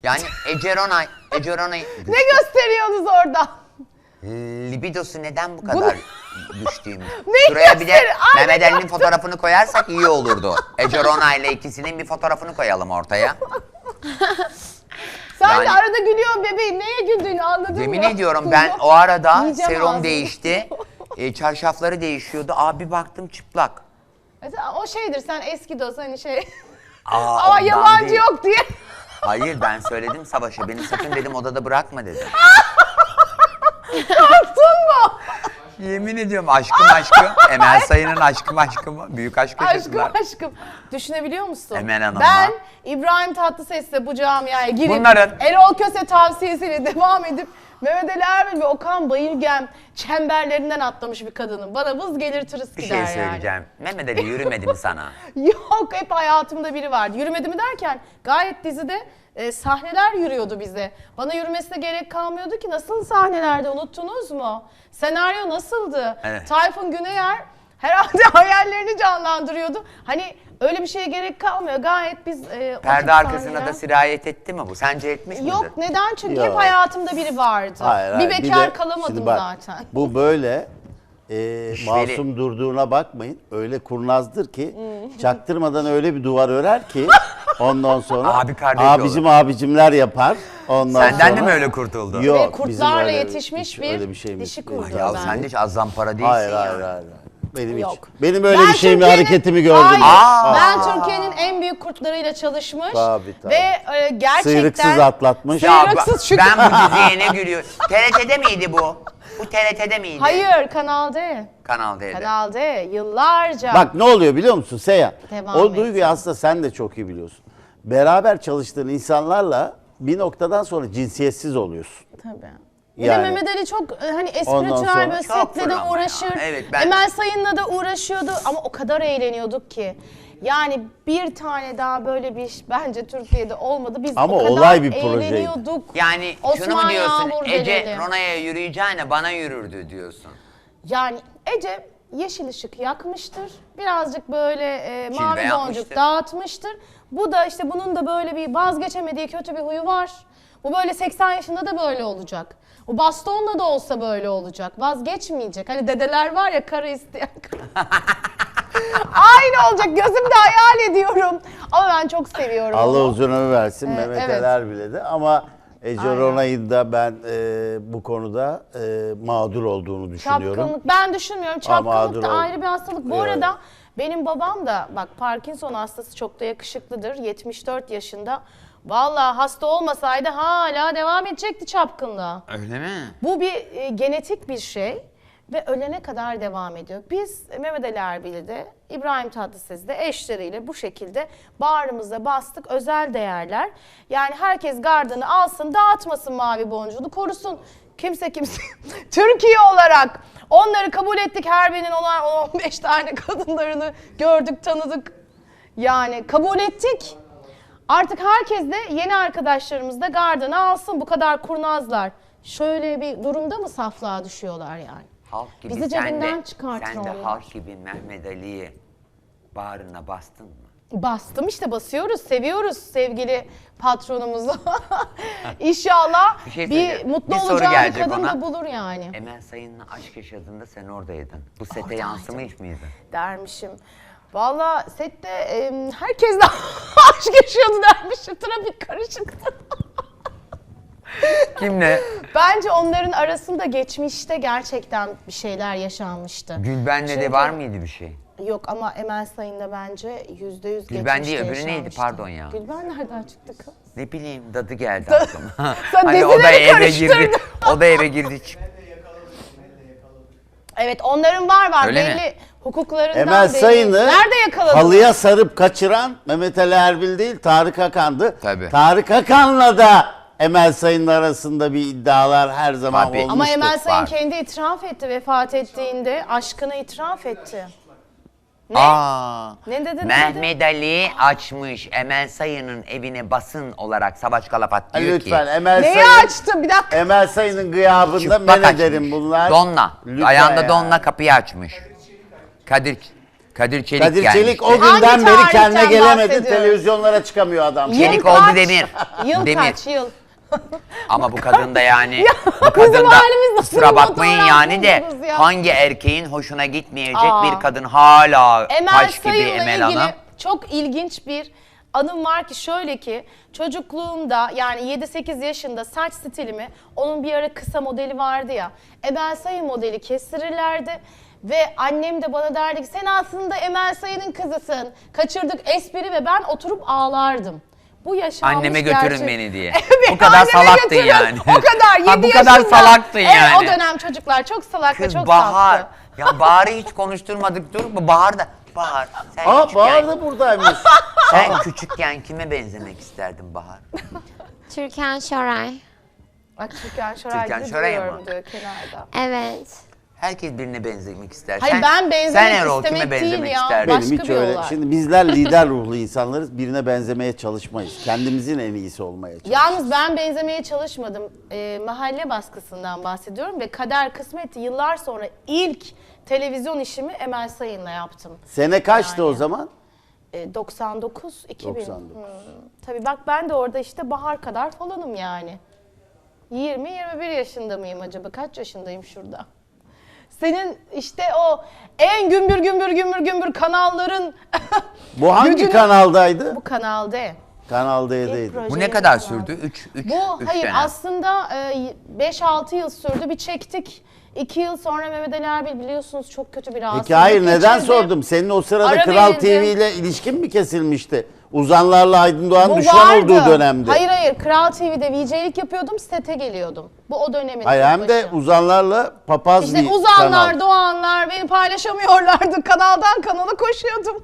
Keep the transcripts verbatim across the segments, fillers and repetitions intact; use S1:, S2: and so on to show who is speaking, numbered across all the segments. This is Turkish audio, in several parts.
S1: Yani Ece Ronay, Ece Ronay...
S2: Ne gösteriyorsunuz orada?
S1: Libidosu neden bu kadar düştüğümüz?
S2: Ne
S1: Şuraya bir de
S2: gösteri- Ay,
S1: Mehmet
S2: ne
S1: Ali'nin
S2: yaptın?
S1: fotoğrafını koyarsak iyi olurdu. Ece Ronay ile ikisinin bir fotoğrafını koyalım ortaya.
S2: Sen
S1: Yani-
S2: de arada gülüyorsun bebeğim. Neye güldüğünü anladın mı?
S1: Yemin ediyorum ben o arada
S2: Yiyeceğim
S1: serum
S2: ağzını.
S1: değişti. E, çarşafları değişiyordu. Abi baktım çıplak.
S2: Mesela o şeydir, sen eski dost hani şey...
S1: Aa,
S2: Ama
S1: ondan
S2: yabancı
S1: değil.
S2: yok diye.
S1: Hayır ben söyledim Savaş'a. Beni sakın dedim odada bırakma dedim.
S2: Korktun mu?
S1: Yemin ediyorum aşkım aşkım. Emel Sayın'ın aşkım aşkım. Büyük aşk
S2: Aşkım
S1: yaşadılar.
S2: aşkım. Düşünebiliyor musun?
S1: Emel Hanım'la.
S2: Ben İbrahim Tatlıses'le bu camiaya girip
S1: Bunların-
S2: Erol Köse tavsiyesiyle devam edip Mehmet Ali Erbil ve Okan Bayülgen çemberlerinden atlamış bir kadının. Bana vız gelir tırıs
S1: Bir
S2: gider
S1: şey
S2: yani.
S1: söyleyeceğim. Mehmet Ali yürümedi mi sana?
S2: Yok, hep hayatımda biri vardı. Yürümedi mi derken gayet dizide e, sahneler yürüyordu bize. Bana yürümesine gerek kalmıyordu ki. Nasıl sahnelerde, unuttunuz mu? Senaryo nasıldı?
S1: Evet.
S2: Tayfun Güneyer herhalde hayallerini canlandırıyordu. Hani öyle bir şeye gerek kalmıyor. Gayet biz e, o
S1: Perde
S2: tip
S1: arkasına
S2: sahneler-
S1: da sirayet etti mi bu? Sence etmiş midir?
S2: Yok, neden? Çünkü
S3: Yok.
S2: hep hayatımda biri vardı.
S3: Hayır,
S2: bir
S3: hayır.
S2: bekar
S3: de-
S2: kalamadım
S3: şimdi bak,
S2: zaten.
S3: Bu böyle e,
S1: İşveli.
S3: masum durduğuna bakmayın. Öyle kurnazdır ki çaktırmadan öyle bir duvar örer ki ondan sonra
S1: Abi kardeş
S3: abicim abicimler yapar. Ondan
S1: Senden
S3: sonra,
S1: de mi öyle kurtuldu?
S3: Yok,
S2: Ve
S3: bizim
S2: kurtlarla
S3: öyle-
S2: yetişmiş
S3: hiç
S2: bir
S3: öyle bir şeyimiz
S2: dişi
S3: yok.
S2: kurdu.
S1: Ya
S2: ben.
S1: sen de hiç az zampara değilsin
S3: Hayır,
S1: ya.
S3: hayır, hayır, hayır. Benim
S2: Yok.
S3: hiç. Benim öyle
S2: Ben
S3: bir şeyimi,
S2: Türkiye'nin-
S3: hareketimi gördüm.
S2: Hayır,
S1: Aa.
S2: ben Türkiye'nin en büyük kurtlarıyla çalışmış
S3: Tabii, tabii.
S2: ve e, gerçekten...
S3: Sıyrıksız atlatmış.
S1: Ya
S2: Sıyrıksız
S1: ba-
S2: şükür.
S1: ben bu diziye ne gülüyorum. T R T'de miydi bu? Bu T R T'de miydi?
S2: Hayır, Kanal D.
S1: Kanal D'de.
S2: Kanal D yıllarca.
S3: Bak ne oluyor biliyor musun Seyhan?
S2: Devam
S3: O
S2: et.
S3: duyguyu aslında sen de çok iyi biliyorsun. Beraber çalıştığın insanlarla bir noktadan sonra cinsiyetsiz oluyorsun.
S2: Tabii. Bir
S3: Yani.
S2: de Mehmet Ali çok e, hani
S3: Ondan
S2: espritüel
S3: sonra-
S2: böyle
S1: Çok
S2: setle de
S1: fırlama
S2: uğraşır.
S1: ya. Evet, ben-
S2: Emel Sayın'la da uğraşıyordu ama o kadar eğleniyorduk ki. Yani bir tane daha böyle bir iş bence Türkiye'de olmadı. Biz
S3: Ama
S2: o kadar
S3: olay bir projeydi.
S2: eğleniyorduk.
S1: Yani şunu mu
S2: Osman
S1: diyorsun?
S2: Yağmur
S1: Ece
S2: delirdi.
S1: Rona'ya yürüyeceğine bana yürürdü diyorsun.
S2: Yani Ece yeşil ışık yakmıştır. Birazcık böyle e, mavi
S1: Cilve
S2: boncuk
S1: yapmıştır.
S2: dağıtmıştır. Bu da işte bunun da böyle bir vazgeçemediği kötü bir huyu var. Bu böyle seksen yaşında da böyle olacak. O bastonla da olsa böyle olacak. Vazgeçmeyecek. Hani dedeler var ya karı isteyen. Aynı olacak. Gözümde hayal ediyorum. Ama ben çok seviyorum
S3: Allah
S2: onu.
S3: uzun ömür versin
S2: Ee,
S3: Mehmet
S2: evet.
S3: Ali Erbil'e de ama Ece
S2: Aynen.
S3: Ronay'ın da ben e, bu konuda e, mağdur olduğunu düşünüyorum.
S2: Çapkınlık ben düşünmüyorum.
S3: Ama
S2: Çapkınlık da
S3: mağdur ol-
S2: ayrı bir hastalık. Bu
S3: Evet.
S2: arada benim babam da bak Parkinson hastası, çok da yakışıklıdır. yetmiş dört yaşında. Vallahi hasta olmasaydı hala devam edecekti çapkınlığa.
S1: Öyle mi?
S2: Bu bir e, genetik bir şey ve ölene kadar devam ediyor. Biz e, Mehmet Ali Erbil'i de İbrahim Tatlıses'i de eşleriyle bu şekilde bağrımıza bastık. Özel değerler. Yani herkes gardını alsın, dağıtmasın mavi boncuğunu, korusun. Kimse kimse Türkiye olarak onları kabul ettik. Her birinin on on beş tane kadınlarını gördük, tanıdık. Yani kabul ettik. Artık herkes de yeni arkadaşlarımız da gardını alsın. Bu kadar kurnazlar. Şöyle bir durumda mı saflığa düşüyorlar yani?
S1: Halk gibi
S2: Bizi
S1: sen
S2: cebinden
S1: de,
S2: çıkartın
S1: sen de
S2: onlar.
S1: halk gibi Mehmet Ali'yi bağrına bastın mı?
S2: Bastım işte, basıyoruz, seviyoruz sevgili patronumuzu. İnşallah
S1: Bir
S2: bir,
S1: şey söyleyeceğim.
S2: mutlu
S1: Bir soru
S2: olacağı bir
S1: gelecek
S2: kadın
S1: ona.
S2: da bulur yani.
S1: Emel Sayın'la aşk yaşadığında sen oradaydın. Bu sete
S2: Oradaydım.
S1: yansımış mıydı?
S2: Dermişim. Valla sette e, herkes de aşk yaşıyordu dermişim. Trafik karışıktı.
S1: Kimle?
S2: Bence onların arasında geçmişte gerçekten bir şeyler yaşanmıştı.
S1: Gülben'le de
S2: Çünkü-
S1: var mıydı bir şey?
S2: Yok ama Emel Sayın'da bence yüzde yüz
S1: Gülben
S2: geçmişte
S1: değil, öbürü neydi?
S2: yaşanmıştı.
S1: Pardon ya.
S2: Gülben nereden çıktı kız?
S1: Ne bileyim dadı geldi aklıma.
S2: Sen
S1: hani o da
S2: dizileri
S1: eve girdi.
S2: karıştırdın.
S1: O da eve girdi çıktı.
S2: Evet, onların var var
S1: Öyle mi?
S2: belli hukuklarından
S3: Emel
S2: belli.
S3: Sayın'ı
S2: Nerede yakaladın?
S3: halıya sarıp kaçıran Mehmet Ali Erbil değil, Tarık Akan'dı.
S1: Tabii.
S3: Tarık Akan'la da Emel Sayın'ın arasında bir iddialar her zaman
S1: Tabii.
S3: olmuştur.
S2: Ama Emel Sayın
S1: var.
S2: kendi itiraf etti vefat ettiğinde. Aşkını itiraf etti. Ne?
S1: Aa,
S2: Ne dedi, ne
S1: Mehmet Ali açmış Emel Sayın'ın evine basın olarak Savaş Kalafat
S3: Ha,
S1: diyor
S3: lütfen
S1: ki.
S3: Emel
S2: Neyi
S3: Sayın,
S2: açtı? Bir dakika.
S3: Emel Sayın'ın gıyabında
S1: Çıplak
S3: men
S1: açmış.
S3: ederim bunlar.
S1: Donla.
S3: Lütfen
S1: Ayağında
S3: ya.
S1: donla kapıyı açmış. Kadir Kadir Çelik
S3: Kadir
S1: gelmişti.
S3: Çelik o
S2: Hangi
S3: günden beri kendine
S2: tarihten
S3: gelemedi.
S2: bahsediyoruz?
S3: Televizyonlara çıkamıyor adam.
S2: Yıl
S1: Çelik oldu
S2: kaç?
S1: Demir.
S2: Yıl
S1: Demir.
S2: kaç yıl?
S1: Ama bu kadın da yani bu
S2: bizim
S1: kadın da
S2: halimiz nasıl
S1: kusura
S2: bir
S1: bakmayın
S2: fotoğraf
S1: yani de
S2: buldunuz ya?
S1: hangi erkeğin hoşuna gitmeyecek
S2: Aa.
S1: bir kadın hala
S2: Emel
S1: taş gibi
S2: Sayın'la
S1: Emel
S2: ilgili
S1: Hanım.
S2: çok ilginç bir anım var ki şöyle ki çocukluğumda yani yedi sekiz yaşında saç stilimi onun bir ara kısa modeli vardı ya Emel Sayın modeli kestirirlerdi ve annem de bana derdi ki sen aslında Emel Sayın'ın kızısın kaçırdık espri ve ben oturup ağlardım. Bu yaşanmış
S1: Anneme götürün
S2: gerçek.
S1: beni diye.
S2: Evet,
S1: Bu kadar
S2: anneme
S1: salaktın
S2: götürün.
S1: yani.
S2: O kadar
S1: Ha,
S2: yedi
S1: bu kadar
S2: yaşında.
S1: salaktın
S2: Evet,
S1: yani.
S2: o dönem çocuklar çok salak ve
S1: Kız
S2: çok
S1: Bahar.
S2: saftı.
S1: Ya Bahar'ı hiç konuşturmadık dur. Bu Bahar da. Bahar sen
S3: Aa
S1: küçükken,
S3: Bahar da buradaymış.
S1: sen küçükken kime benzemek isterdin Bahar?
S4: Türkan Şoray.
S2: Bak Türkan Şoray
S1: Türkan
S2: gibi
S1: Şoray
S2: duruyorum
S1: mı?
S2: diyor kenarda.
S4: Evet.
S1: Herkes birine benzemek ister.
S2: Hayır,
S1: sen,
S2: ben benzemek
S1: sen Erol
S2: istemek
S1: kime
S2: değil
S1: benzemek
S2: ya.
S1: isterdin?
S2: Başka
S3: Benim hiç
S2: bir
S3: öyle.
S2: olay.
S3: Şimdi bizler lider ruhlu insanlarız. Birine benzemeye çalışmayız. Kendimizin en iyisi olmaya çalışırız.
S2: Yalnız ben benzemeye çalışmadım. Ee, mahalle baskısından bahsediyorum ve Kader Kısmet yıllar sonra ilk televizyon işimi Emel Sayın'la yaptım.
S3: Sene kaçtı
S2: Yani.
S3: o zaman?
S2: Ee, doksan dokuz iki bin.
S3: doksan dokuz.
S2: Hmm. Tabii bak ben de orada işte Bahar kadar falanım yani. yirmi yirmi bir yaşında mıyım acaba? Kaç yaşındayım şurada? Senin işte o en gümbür gümbür gümbür gümbür kanalların
S3: Bu hangi
S2: gücünü-
S3: kanaldaydı?
S2: Bu Kanal D.
S3: Kanal D'deydi.
S2: İlk proje.
S1: Bu ne kadar sürdü? üç üç
S2: Bu
S1: üç
S2: hayır
S1: dönem.
S2: aslında beş altı yıl sürdü. Bir çektik. iki yıl sonra Mehmet Ali Erbil biliyorsunuz çok kötü bir rahatsızlık
S3: Peki hayır neden
S2: geçirdi.
S3: sordum? Senin o sırada
S2: Ara
S3: Kral
S2: verildi.
S3: T V ile ilişkin mi kesilmişti? Uzanlarla Aydın Doğan
S2: Bu
S3: düşman
S2: vardı.
S3: olduğu dönemde.
S2: Hayır hayır Kral T V'de V J'lik yapıyordum sete geliyordum. Bu o dönemin.
S3: Hayır
S2: ilk
S3: hem de
S2: başı.
S3: uzanlarla papaz
S2: İşte
S3: bir
S2: uzanlar,
S3: kanal.
S2: doğanlar beni paylaşamıyorlardı. Kanaldan kanala koşuyordum.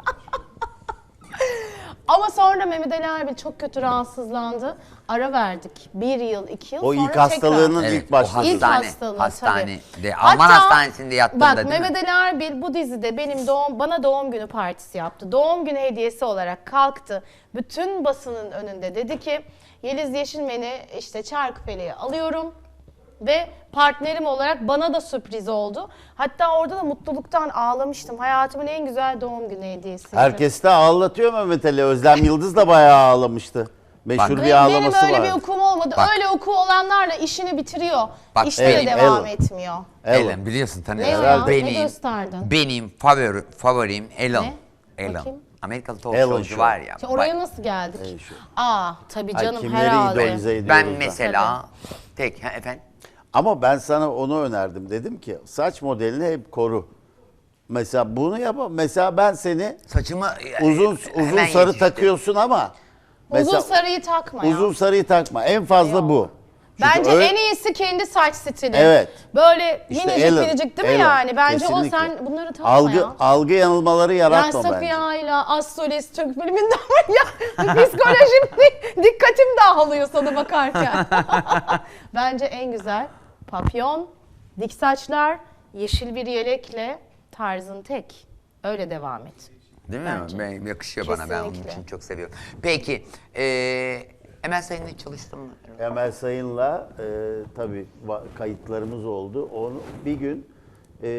S2: Ama sonra Mehmet Ali Erbil çok kötü rahatsızlandı. Ara verdik. Bir yıl, iki yıl
S3: O
S2: sonra
S3: ilk hastalığının
S1: Evet,
S3: ilk
S1: o
S3: başladığı.
S2: İlk
S1: hastane,
S2: hastalığı
S1: hastanede.
S2: tabii.
S1: Alman
S2: Hatta,
S1: hastanesinde yattığında
S2: bak,
S1: değil mi?
S2: Mehmet Ali Erbil bu dizide benim doğum bana doğum günü partisi yaptı. Doğum günü hediyesi olarak kalktı. Bütün basının önünde dedi ki Yeliz Yeşilmen'i işte Çarkıfele'ye alıyorum. Ve partnerim olarak bana da sürpriz oldu. Hatta orada da mutluluktan ağlamıştım. Hayatımın en güzel doğum günü hediyesiydi.
S3: Herkes de ağlatıyor Mehmet Ali. Özlem Yıldız da bayağı ağlamıştı. Meşhur
S1: Bak-
S3: bir
S2: Benim
S3: ağlaması
S2: öyle
S3: var.
S2: bir okum olmadı.
S1: Bak.
S2: Öyle oku olanlarla işini bitiriyor.
S1: Bak,
S2: işte
S1: Ellen,
S2: de devam
S3: Ellen.
S2: etmiyor.
S1: Ellen biliyorsun tanıyorsun.
S2: Ne o ya? Ne
S1: Benim,
S2: gösterdin?
S1: benim favori, favorim Ellen.
S2: Ne?
S1: Ellen.
S2: Bakayım.
S1: Amerikalı talk
S3: Ellen
S1: showcu
S3: Show.
S1: var ya.
S2: İşte oraya
S1: bak,
S2: nasıl geldik?
S3: Ey şu.
S2: Aa tabii
S3: Ay,
S2: canım
S3: kimleri
S2: herhalde.
S3: idolize ediyoruz
S1: ben
S3: da.
S1: mesela tek ha, efendim
S3: Ama ben sana onu önerdim. Dedim ki saç modelini hep koru. Mesela bunu yap. Mesela ben seni
S1: saçımı
S3: uzun
S1: e,
S3: uzun
S1: hemen
S3: sarı
S1: yetiştim.
S3: takıyorsun ama mesela
S2: Uzun sarıyı takma ya.
S3: uzun sarıyı takma. En fazla
S2: Yok.
S3: bu. Çünkü
S2: Bence
S3: öyle-
S2: en iyisi kendi saç stili.
S3: Evet.
S2: Böyle
S3: İşte
S2: minicik
S3: Ellen,
S2: minicik değil mi
S3: Ellen.
S2: yani? Bence
S3: Kesinlikle.
S2: o sen bunları takma
S3: algı,
S2: ya.
S3: algı yanılmaları
S2: Yani
S3: yaratma
S2: Safiye
S3: bence.
S2: Ayla, Az Solist Türk filminden var ya. Psikolojim, dikkatim dağılıyor sana bakarken. Bence en güzel papyon, dik saçlar, yeşil bir yelekle tarzın tek. Öyle devam et.
S1: Değil mi?
S2: Bence.
S1: Ben, yakışıyor bana. Ben onun
S2: Kesinlikle.
S1: için çok seviyorum. Peki, eee Emel Sayın'la çalıştın mı?
S3: Emel Sayın'la e, tabii va- kayıtlarımız oldu. Onu bir gün e,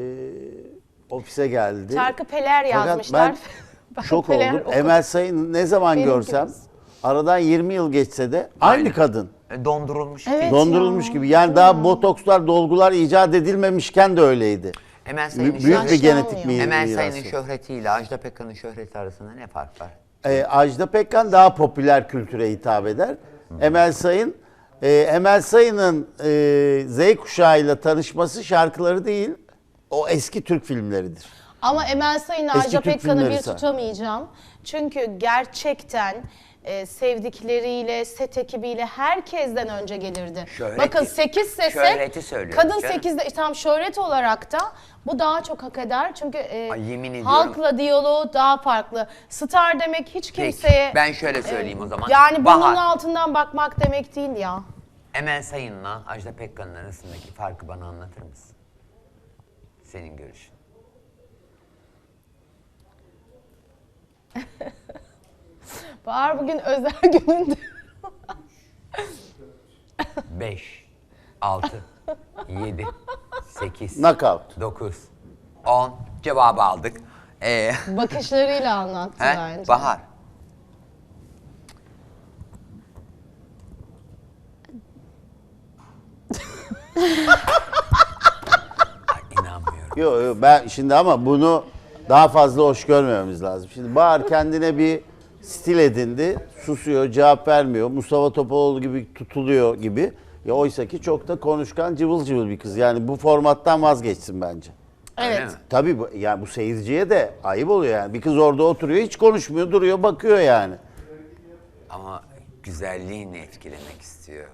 S3: ofise geldi.
S2: Şarkı Peler
S3: Fakat
S2: yazmışlar.
S3: ben
S2: Ben
S3: şok
S2: Peler
S3: oldum.
S2: okudum.
S3: Emel Sayın'ı ne zaman
S2: Benim
S3: görsem
S2: gibisin.
S3: aradan yirmi yıl geçse de aynı
S1: Aynen.
S3: kadın.
S1: E, Dondurulmuş.
S2: Evet.
S3: Dondurulmuş
S2: ya.
S3: gibi. Yani daha botokslar, dolgular icat edilmemişken de öyleydi.
S1: Emel Sayın'ın
S3: Büyük bir
S1: şöhreti-
S3: genetik mi-
S1: Emel
S3: mirası.
S1: Sayın'ın şöhretiyle Ajda Pekkan'ın şöhreti arasında ne fark var?
S3: Ee, Ajda Pekkan daha popüler kültüre hitap eder. Emel Sayın, e, Emel Sayın'ın e, Z kuşağıyla tanışması şarkıları değil, o eski Türk filmleridir.
S2: Ama Emel Sayın'la
S3: Eski
S2: Ajda
S3: Türk
S2: Pekkan'ı
S3: filmleri
S2: bir
S3: say.
S2: tutamayacağım. Çünkü gerçekten e, sevdikleriyle, set ekibiyle herkesten önce gelirdi.
S1: Şöhreti-
S2: Bakın sekiz sese,
S1: şöhreti söylüyorum
S2: kadın
S1: canım.
S2: sekizde, tam şöhret olarak da bu daha çok hak eder. Çünkü e,
S1: Ay, yemin ediyorum.
S2: halkla diyaloğu daha farklı. Star demek hiç
S1: Peki,
S2: kimseye...
S1: ben şöyle söyleyeyim o zaman.
S2: Yani
S1: Bahar,
S2: burnunun altından bakmak demek değil ya.
S1: Emel Sayın'la Ajda Pekkan'ın arasındaki farkı bana anlatır mısın? Senin görüşün.
S2: Bahar bugün özel gününde.
S1: beş, altı, yedi, sekiz,
S3: Knockout.
S1: dokuz, on cevabı aldık. Ee,
S2: Bakışlarıyla anlattı
S1: he?
S2: bence.
S1: Bahar. Ay, inanmıyorum.
S3: Yok yok ben şimdi ama bunu daha fazla hoş görmememiz lazım. Şimdi Bahar kendine bir stil edindi. Susuyor, cevap vermiyor. Mustafa Topaloğlu gibi tutuluyor gibi. Ya oysa ki çok da konuşkan, cıvıl cıvıl bir kız. Yani bu formattan vazgeçsin bence.
S1: Öyle
S2: Evet.
S1: mi?
S3: Tabii bu, yani bu seyirciye de ayıp oluyor yani. Bir kız orada oturuyor, hiç konuşmuyor, duruyor, bakıyor yani.
S1: Ama güzelliğini etkilemek istiyor.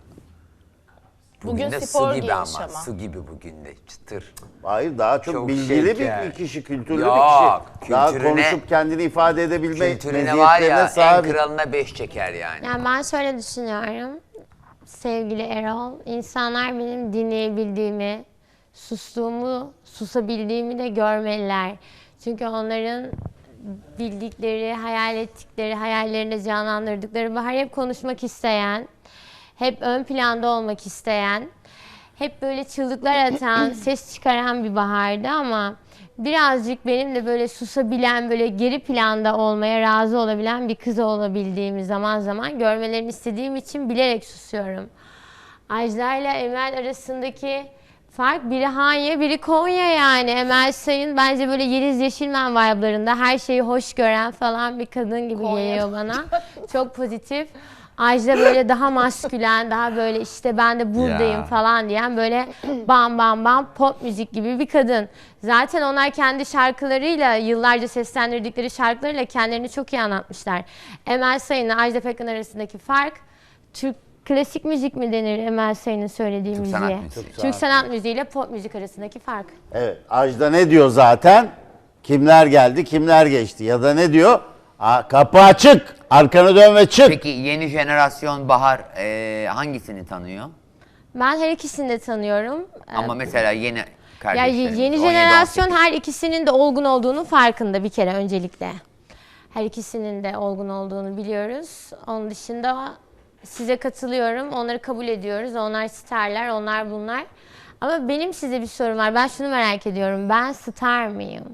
S2: Bugün
S1: de
S2: spor
S1: su gibi
S2: giymiş
S1: ama.
S2: ama.
S1: Su gibi bugün de çıtır.
S3: Hayır daha çok,
S1: Çok
S3: bilgili
S1: şeker.
S3: bir kişi, kültürlü
S1: Yok,
S3: bir kişi. Daha
S1: kültürüne-
S3: konuşup kendini ifade edebilme
S1: Kültürüne var ya en
S3: sahip.
S1: kralına beş çeker yani.
S4: Yani ben şöyle düşünüyorum. Sevgili Erol, insanlar benim dinleyebildiğimi, sustuğumu, susabildiğimi de görmeliler. Çünkü onların bildikleri, hayal ettikleri, hayallerinde canlandırdıkları bahar hep konuşmak isteyen, hep ön planda olmak isteyen, hep böyle çığlıklar atan, ses çıkaran bir bahardı ama birazcık benim de böyle susabilen, böyle geri planda olmaya razı olabilen bir kız olabildiğimi zaman zaman görmelerini istediğim için bilerek susuyorum. Ajda ile Emel arasındaki fark biri Hanya, biri Konya yani. Emel Sayın bence böyle Yeliz Yeşilmen vibe'larında her şeyi hoş gören falan bir kadın gibi
S2: Konya.
S4: geliyor bana. Çok pozitif. Ajda böyle daha maskülen, daha böyle işte ben de buradayım
S1: Ya.
S4: falan diyen böyle bam bam bam pop müzik gibi bir kadın. Zaten onlar kendi şarkılarıyla, yıllarca seslendirdikleri şarkılarıyla kendilerini çok iyi anlatmışlar. Emel Sayın'la Ajda Pekkan arasındaki fark, Türk klasik müzik mi denir Emel Sayın'ın söylediği
S1: Türk
S4: müziğe?
S1: sanat müziği.
S4: Türk,
S3: Türk
S4: sanat müziği ile pop müzik arasındaki fark.
S3: Evet. Ajda ne diyor zaten? Kimler geldi, kimler geçti? Ya da ne diyor? Aa, kapı açık, arkanı dön ve çık.
S1: Peki yeni jenerasyon Bahar e, hangisini tanıyor?
S4: Ben her ikisini de tanıyorum.
S1: Ama mesela yeni
S4: Ya
S1: kardeşlerimiz.
S4: yeni
S1: on yedi,
S4: jenerasyon
S1: on sekiz.
S4: her ikisinin de olgun olduğunu farkında bir kere öncelikle. Her ikisinin de olgun olduğunu biliyoruz. Onun dışında size katılıyorum. Onları kabul ediyoruz. Onlar starlar, onlar bunlar. Ama benim size bir sorum var. Ben şunu merak ediyorum. Ben star mıyım?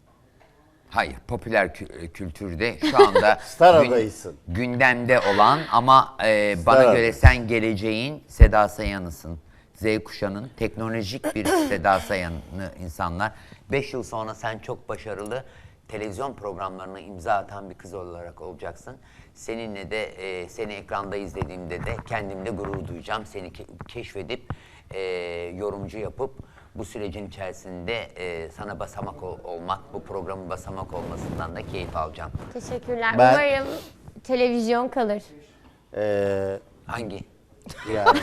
S1: Hayır, popüler kü- kültürde şu anda
S3: Star
S1: gün-
S3: adayısın.
S1: gündemde olan ama e, bana
S3: Star
S1: göre
S3: adayı.
S1: sen geleceğin Seda Sayan'ısın. Z kuşağının teknolojik bir Seda Sayan'ı insanlar. Beş yıl sonra sen çok başarılı televizyon programlarına imza atan bir kız olarak olacaksın. Seninle de e, seni ekranda izlediğimde de kendimle gurur duyacağım. Seni ke- keşfedip e, yorumcu yapıp bu sürecin içerisinde e, sana basamak ol- olmak, bu programın basamak olmasından da keyif alacağım.
S4: Teşekkürler.
S3: Ben-
S4: Umarım televizyon kalır.
S3: Ee,
S1: Hangi?
S3: yani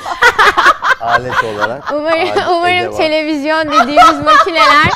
S3: alet olarak.
S4: Umarım,
S3: alet,
S4: umarım
S3: edevat.
S4: televizyon dediğimiz makineler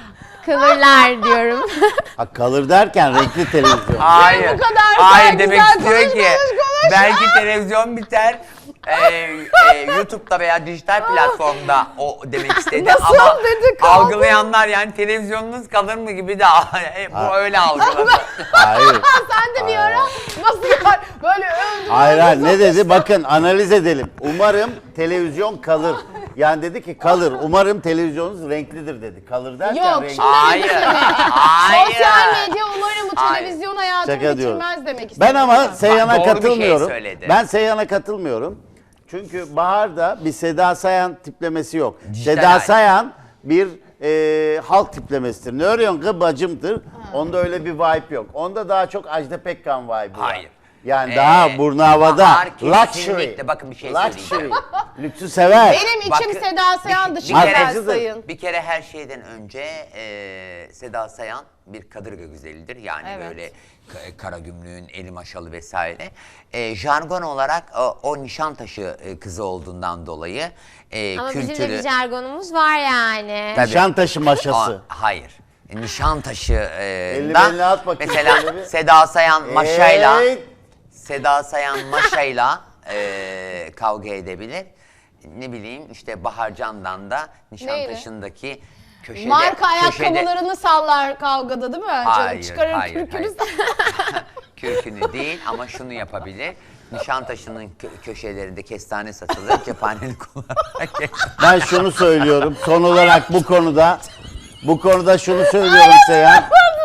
S4: kalırlar diyorum.
S3: Ha, kalır derken renkli televizyon.
S1: Hayır.
S2: bu kadar
S1: Hayır
S2: güzel
S1: demek istiyor
S2: konuş,
S1: ki
S2: konuş, konuş.
S1: belki televizyon biter. e, e, YouTube'da veya dijital platformda o demek istedi
S2: Nasıl
S1: ama
S2: dedi, kaldı?
S1: algılayanlar yani televizyonunuz kalır mı gibi de e, bu öyle algıladı.
S3: Hayır.
S2: Sen de bir ara nasıl yani böyle övdün.
S3: Hayır hayır ne dedi? Bakın analiz edelim. Umarım televizyon kalır. Yani dedi ki kalır. Umarım televizyonunuz renklidir dedi. Kalır derken
S2: Yok,
S3: renkli.
S2: şimdi-
S1: Hayır. Hayır.
S2: Sosyal medya umarım bu
S1: Hayır.
S2: televizyon hayatını
S3: Şaka diyorum.
S2: bitirmez demek istedim.
S3: Ben ama Seyhan'a
S1: doğru bir şey
S3: katılmıyorum.
S1: söyledi.
S3: Ben Seyhan'a katılmıyorum. Çünkü Bahar'da bir Seda Sayan tiplemesi yok.
S1: Dijital
S3: Seda
S1: hali.
S3: Sayan bir e, halk tiplemesidir. Ne örüyorsun kız bacımdır. Onda öyle bir vibe yok. Onda daha çok Ajda Pekkan vibe'ı var.
S1: Hayır.
S3: Yani
S1: Ee,
S3: daha burnu havada.
S1: Bahar
S3: Luxury.
S1: kesinlikle- bakın bir şey
S3: Luxury.
S1: söyleyeceğim.
S3: Lüksü sever.
S2: Benim içim
S1: Bakın,
S2: Seda Sayan
S1: bir-
S2: dışında
S1: bir kere-
S2: Sayın.
S1: Bir kere her şeyden önce e, Seda Sayan bir kadırga güzelidir. Yani
S2: Evet.
S1: böyle ka- kara gümrüğün, eli maşalı vesaire. E, jargon olarak o, o Nişantaşı e, kızı olduğundan dolayı e,
S4: Ama
S1: kültürü...
S4: bizim de bir jargonumuz var yani.
S1: Tabii.
S3: Nişantaşı maşası.
S1: Aa, hayır. Nişantaşı e,
S3: Elini
S1: da
S3: beline at bakayım
S1: mesela
S3: şöyle bir.
S1: Seda Sayan maşayla
S3: Hey!
S1: Seda Sayan maşayla e, kavga edebilir. Ne bileyim işte Bahar Can'dan da Nişantaşı'ndaki köşede
S2: Marka
S1: köşede-
S2: ayakkabılarını sallar kavgada değil mi? Canım
S1: Hayır,
S2: çıkarır
S1: hayır,
S2: kürkünü
S1: hayır.
S2: sallar.
S1: Kürkünü değil ama şunu yapabilir. Nişantaşı'nın kö- köşelerinde kestane satılır. Cephaneli kullanarak.
S3: Ben şunu söylüyorum. Son olarak bu konuda bu konuda şunu söylüyorum Seyhan.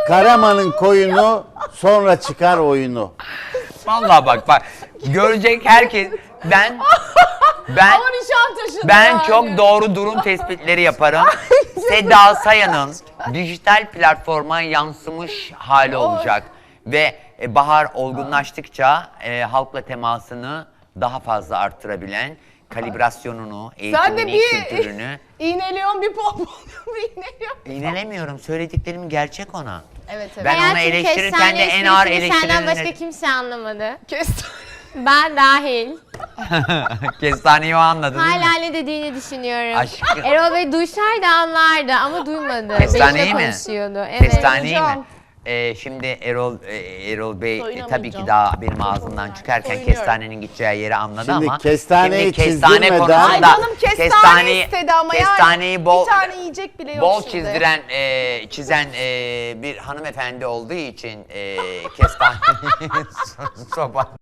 S3: Karaman'ın koyunu sonra çıkar oyunu.
S1: Vallahi bak bak görecek herkes ben ben
S2: Ama Nişantaşı'nda
S1: ben
S2: yani.
S1: çok doğru durum tespitleri yaparım. Seda Sayan'ın dijital platforma yansımış hali olacak ve e, Bahar olgunlaştıkça e, halkla temasını daha fazla arttırabilen, kalibrasyonunu,
S2: Sen de
S1: eğitimini,
S2: bir
S1: kültürünü
S2: iğneliyorsun, bir pompalıyorsun, bir iğneliyorsun.
S1: İnanamıyorum. Söylediklerimin gerçek ona.
S2: Evet evet.
S1: Ben onu
S4: Hayatım,
S1: eleştirirken
S4: kestane
S1: de en ağır
S4: esprisini Senden başka
S1: eleştirilerini...
S4: kimse anlamadı.
S2: Kestim.
S4: Ben dahil.
S1: Kestaneyi o anladı değil mi?
S4: Hala ne dediğini düşünüyorum.
S1: Aşkım.
S4: Erol Bey duysaydı anlardı ama duymadı.
S1: Kestaneyi
S4: Benimle
S1: mi?
S4: konuşuyordu. Evet.
S1: Kestaneyi mi?
S2: Hocam.
S1: Ee, şimdi Erol e, Erol Bey e,
S2: Soyunamayacağım.
S1: tabii ki daha benim ağzımdan çıkarken
S2: Soyunuyorum.
S1: kestanenin gideceği yeri anladı
S3: Şimdi
S1: ama
S3: kestaneyi
S1: şimdi kestane
S3: çizdirmeden-
S1: konusunda
S2: Ay canım kestane
S1: kestaneyi-
S2: istedi ama
S1: kestaneyi
S2: yani
S1: bol
S2: bir tane yiyecek bile yok
S1: bol
S2: şimdi.
S1: çizdiren e, çizen e, bir hanımefendi olduğu için e, kestaneyi soba